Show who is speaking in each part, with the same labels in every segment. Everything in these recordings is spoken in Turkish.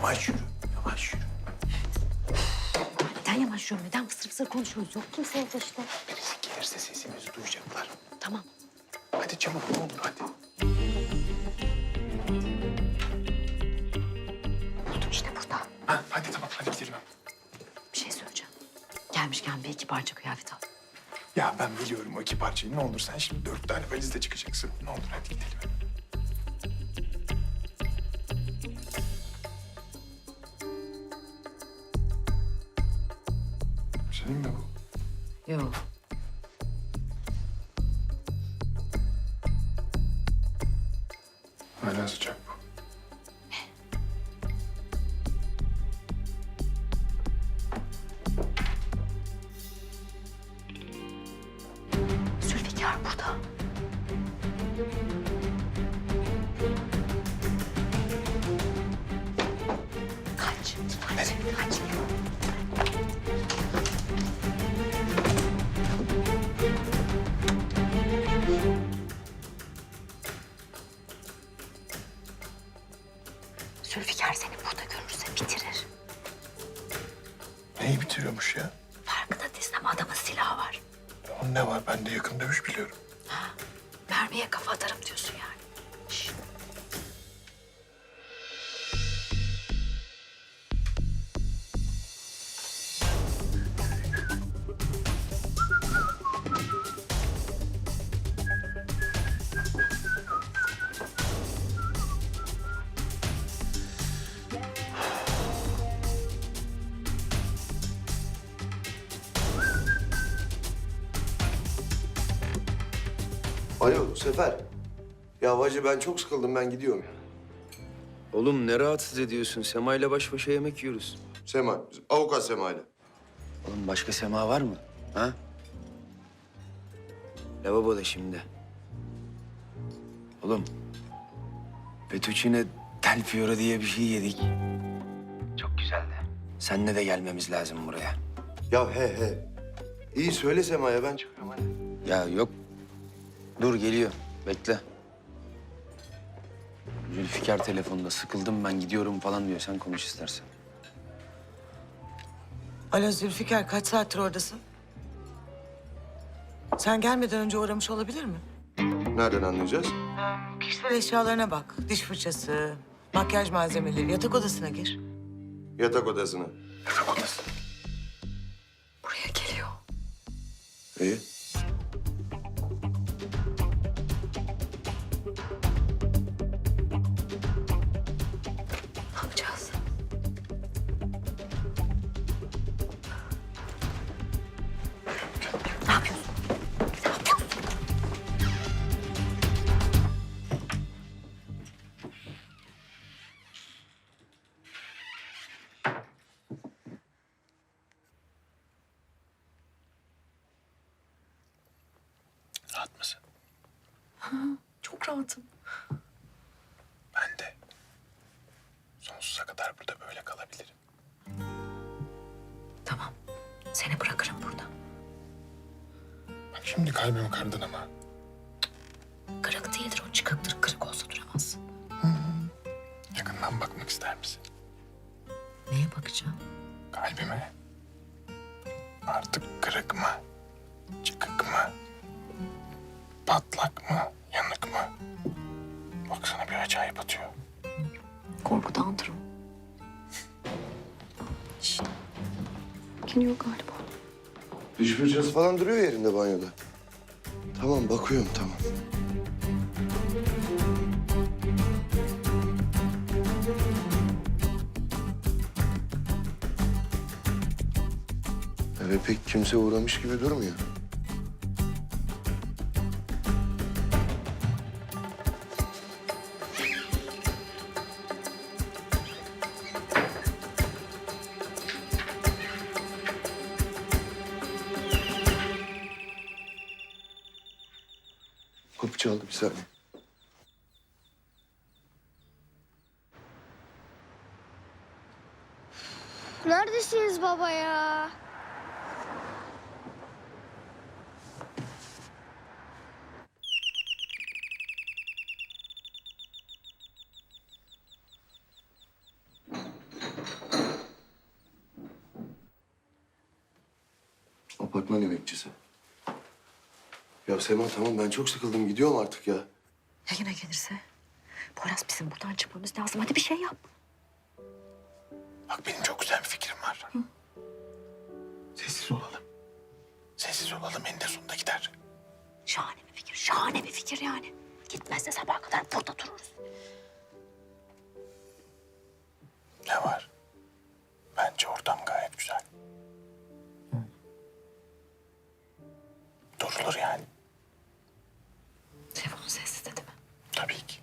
Speaker 1: Yavaş yürü, yavaş yürü.
Speaker 2: Neden yavaş yürüyorum? Neden fısır fısır konuşuyoruz? Yok kimse evde işte.
Speaker 1: Birisi gelirse sesimizi duyacaklar.
Speaker 2: Tamam.
Speaker 1: Hadi çabuk ne olur hadi.
Speaker 2: Buldum işte burada.
Speaker 1: Ha, hadi tamam hadi gidelim.
Speaker 2: Bir şey söyleyeceğim. Gelmişken bir iki parça kıyafet al.
Speaker 1: Ya ben biliyorum o iki parçayı. Ne olur sen şimdi 4 tane valizle çıkacaksın. Ne olur hadi gidelim. Senin mi bu?
Speaker 2: Yok.
Speaker 1: Hala sıcak bu.
Speaker 2: Zülfikar burada. Kaç. Kaç. Zülfikar seni burada görürse bitirir.
Speaker 1: Neyi bitiriyormuş ya?
Speaker 2: Farkında değilsin ama adamın silahı var.
Speaker 1: Onun ne var? Ben de yakın dövüş biliyorum.
Speaker 2: Mermiye kafa atarım diyorsun yani. Şş.
Speaker 3: Alo Sefer. Ya bacı ben çok sıkıldım, ben gidiyorum ya.
Speaker 4: Oğlum ne rahatsız ediyorsun? Sema'yla baş başa yemek yiyoruz.
Speaker 3: Sema, avukat Sema ile.
Speaker 4: Oğlum başka Sema var mı? Ha? Lavaboda şimdi. Oğlum. Fettuccine del Fiore diye bir şey yedik. Çok güzeldi. Seninle de gelmemiz lazım buraya.
Speaker 3: Ya he. İyi söyle Sema'ya, ben çıkıyorum hadi.
Speaker 4: Ya yok. Dur geliyor. Bekle. Zülfikar telefonda sıkıldım ben gidiyorum falan diyor. Sen konuş istersen.
Speaker 5: Alo Zülfikar, kaç saattir oradasın? Sen gelmeden önce uğramış olabilir mi?
Speaker 3: Nereden anlayacağız?
Speaker 5: Kişisel eşyalarına bak. Diş fırçası, makyaj malzemeleri, yatak odasına gir.
Speaker 3: Yatak odasına.
Speaker 1: Yatak odası.
Speaker 2: Buraya geliyor.
Speaker 3: İyi.
Speaker 2: Ne yapacağız? Ne yapıyorsun? Ne yapıyorsun?
Speaker 1: Rahat mısın?
Speaker 2: Çok rahatım.
Speaker 1: Ben de. Sonsuza kadar burada böyle kalabilirim.
Speaker 2: Tamam. Seni bırakırım burada.
Speaker 1: Bak şimdi kalbimi kırdın ama.
Speaker 2: Kırık değildir o, çıkıktır. Kırık olsa duramazsın.
Speaker 1: Yakından bakmak ister misin?
Speaker 2: Neye bakacağım?
Speaker 1: Kalbime. Artık kırık mı? Çıkık mı? Patlak mı? Yanık mı? Baksana bir acayip atıyor.
Speaker 2: Korkudan durum. Şşt. Geliyor galiba.
Speaker 3: Diş fırçası falan duruyor yerinde banyoda. Tamam, bakıyorum tamam. Eve pek kimse uğramış gibi durmuyor. Kapı çaldı, bir saniye.
Speaker 6: Neredesiniz baba ya?
Speaker 3: Apartman emekçisi. Ya Sema tamam ben çok sıkıldım. Gidiyorum artık ya.
Speaker 2: Ya yine gelirse? Poyraz bizim buradan çıkmamız lazım. Hadi bir şey yap.
Speaker 1: Bak benim çok güzel bir fikrim var. Sessiz olalım. Sessiz olalım eninde sonunda gider.
Speaker 2: Şahane bir fikir. Şahane bir fikir yani. Gitmezse sabaha kadar burada dururuz.
Speaker 1: Ne var? Bence ortam gayet güzel. Durulur yani.
Speaker 2: Telefonu sessiz dedi mi?
Speaker 1: Tabii ki.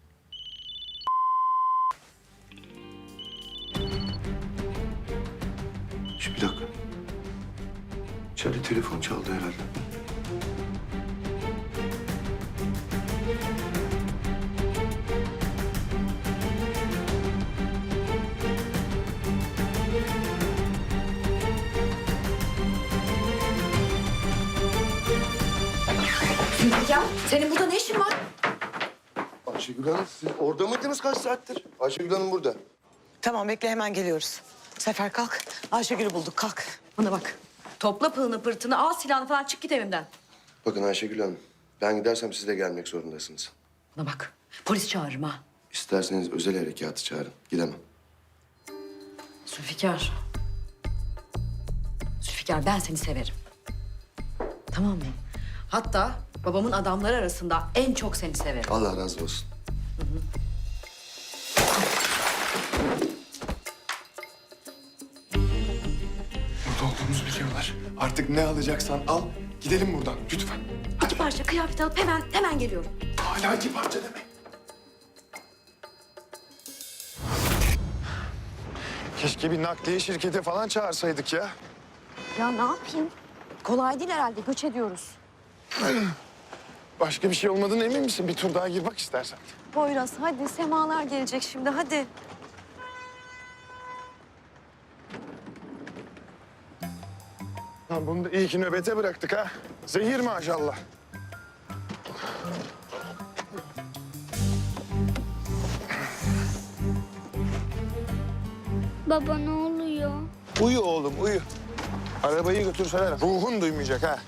Speaker 3: Şu bir dakika. İçeride telefon çaldı herhalde.
Speaker 2: Ya senin burada ne işin var?
Speaker 3: Ayşegül Hanım siz orada mıydınız kaç saattir? Ayşegül Hanım burada.
Speaker 5: Tamam bekle hemen geliyoruz. Sefer kalk. Ayşegül'ü bulduk kalk.
Speaker 2: Bana bak. Topla pığını pırtını, al silahını falan çık git evimden.
Speaker 3: Bakın Ayşegül Hanım ben gidersem siz de gelmek zorundasınız.
Speaker 2: Bana bak. Polis çağırırım ha.
Speaker 3: İsterseniz özel harekatı çağırın. Gidemem.
Speaker 2: Zülfikar. Zülfikar ben seni severim. Tamam mı? Hatta babamın adamları arasında en çok seni severim.
Speaker 3: Allah razı olsun.
Speaker 1: Burada olduğumuzu biliyorlar. Artık ne alacaksan al. Gidelim buradan lütfen.
Speaker 2: İki parça kıyafet alıp hemen geliyorum.
Speaker 1: Hala iki parça demek. Keşke bir nakliye şirketi falan çağırsaydık ya.
Speaker 2: Ya ne yapayım? Kolay değil herhalde. Göç ediyoruz.
Speaker 1: Başka bir şey olmadığına emin misin? Bir tur daha gir bak istersen.
Speaker 2: Poyraz hadi. Semalar gelecek şimdi hadi.
Speaker 1: Lan bunu da iyi ki nöbete bıraktık ha. Zehir maşallah.
Speaker 6: Baba ne oluyor?
Speaker 1: Uyu oğlum uyu. Arabayı götürseler ruhun duymayacak ha.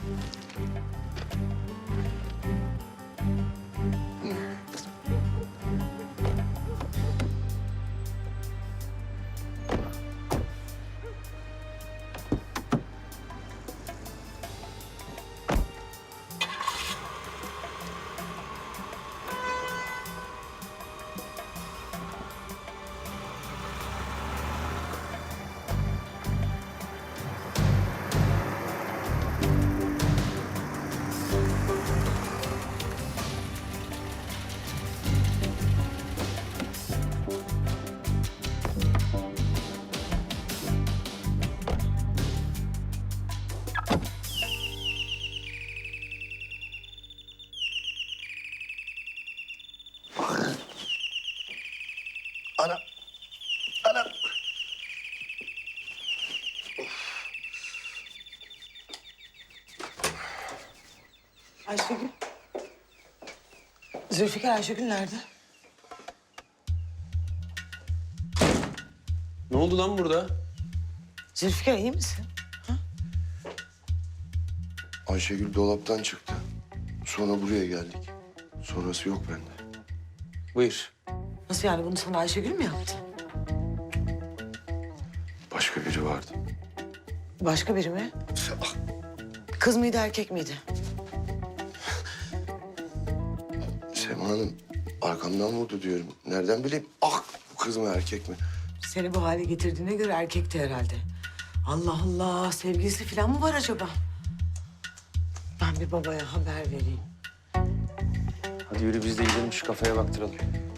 Speaker 3: Ana. Ana.
Speaker 5: Ayşegül. Zülfikar Ayşegül nerede?
Speaker 7: Ne oldu lan burada?
Speaker 5: Zülfikar iyi misin?
Speaker 3: Ayşegül dolaptan çıktı. Sonra buraya geldik. Sonrası yok bende.
Speaker 7: Buyur.
Speaker 5: Nasıl yani bunu sana Ayşegül mü yaptı?
Speaker 3: Başka biri vardı.
Speaker 5: Başka biri mi? Kız mıydı erkek miydi?
Speaker 3: Sema Hanım arkamdan vurdu diyorum. Nereden bileyim? Ah bu kız mı erkek mi?
Speaker 5: Seni bu hale getirdiğine göre erkekti herhalde. Allah Allah sevgilisi falan mı var acaba? Ben bir babaya haber vereyim.
Speaker 4: Hadi yürü biz de gidelim şu kafeye baktıralım.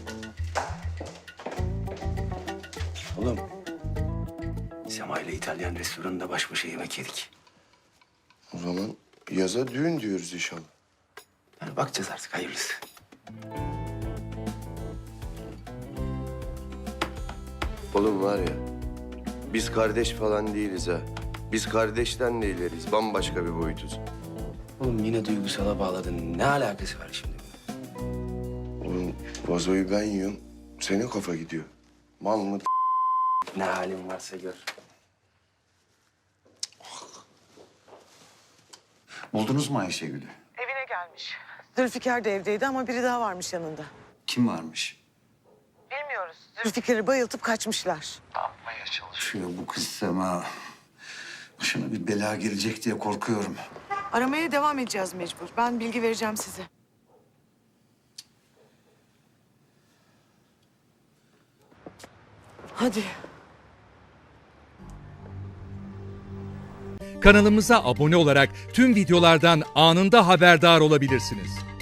Speaker 4: Oğlum. Sema ile İtalyan restoranında baş başa yemek yedik.
Speaker 3: O zaman yaza düğün diyoruz inşallah.
Speaker 4: Yani bakacağız artık hayırlısı.
Speaker 3: Oğlum var ya biz kardeş falan değiliz ha. Biz kardeşten de ileriz. Bambaşka bir boyutuz.
Speaker 4: Oğlum yine duygusala bağladın. Ne alakası var şimdi?
Speaker 3: Oğlum vazoyu ben yiyorum. Senin kafa gidiyor. Mal mı?
Speaker 4: Ne halin varsa gör.
Speaker 8: Buldunuz mu Ayşegül'ü?
Speaker 5: Evine gelmiş. Zülfikar da evdeydi ama biri daha varmış yanında.
Speaker 8: Kim varmış?
Speaker 5: Bilmiyoruz. Zülfikar'ı bayıltıp kaçmışlar.
Speaker 8: Yapmaya çalışıyor bu kız Sema. Başına bir bela gelecek diye korkuyorum.
Speaker 5: Aramaya devam edeceğiz mecbur. Ben bilgi vereceğim size. Hadi.
Speaker 9: Kanalımıza abone olarak tüm videolardan anında haberdar olabilirsiniz.